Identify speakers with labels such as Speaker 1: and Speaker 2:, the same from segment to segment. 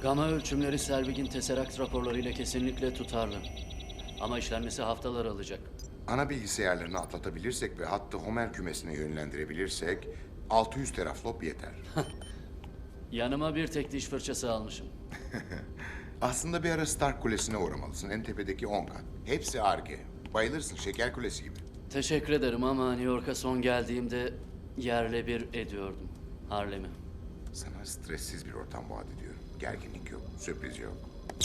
Speaker 1: Gama ölçümleri Selvig'in Tesseract raporlarıyla kesinlikle tutarlı. Ama işlenmesi haftalar alacak.
Speaker 2: Ana bilgisayarlarını atlatabilirsek ve hattı Homer kümesine yönlendirebilirsek 600 teraflop yeter.
Speaker 1: Yanıma bir tek diş fırçası almışım.
Speaker 2: Aslında bir ara Stark Kulesi'ne uğramalısın. En tepedeki 10 kat. Hepsi Ar-Ge. Bayılırsın, şeker kulesi gibi.
Speaker 1: Teşekkür ederim ama New York'a son geldiğimde yerle bir ediyordum Harlem'i.
Speaker 2: Sana stressiz bir ortam vaat ediyorum. Gerginlik yok, sürpriz yok.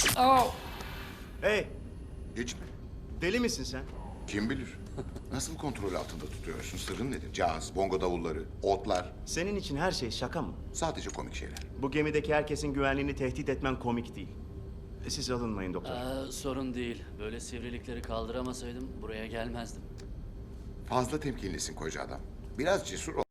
Speaker 3: Hey,
Speaker 2: Hiç mi?
Speaker 3: deli misin sen?
Speaker 2: Kim bilir? Nasıl kontrol altında tutuyorsun? Sırrın nedir? Caz, bongo davulları, otlar.
Speaker 3: Senin için her şey şaka mı?
Speaker 2: Sadece komik şeyler.
Speaker 3: Bu gemideki herkesin güvenliğini tehdit etmen komik değil. Siz alınmayın doktor.
Speaker 1: Sorun değil. Böyle sivrilikleri kaldıramasaydım buraya gelmezdim.
Speaker 2: Fazla temkinlisin koca adam. Biraz cesur ol.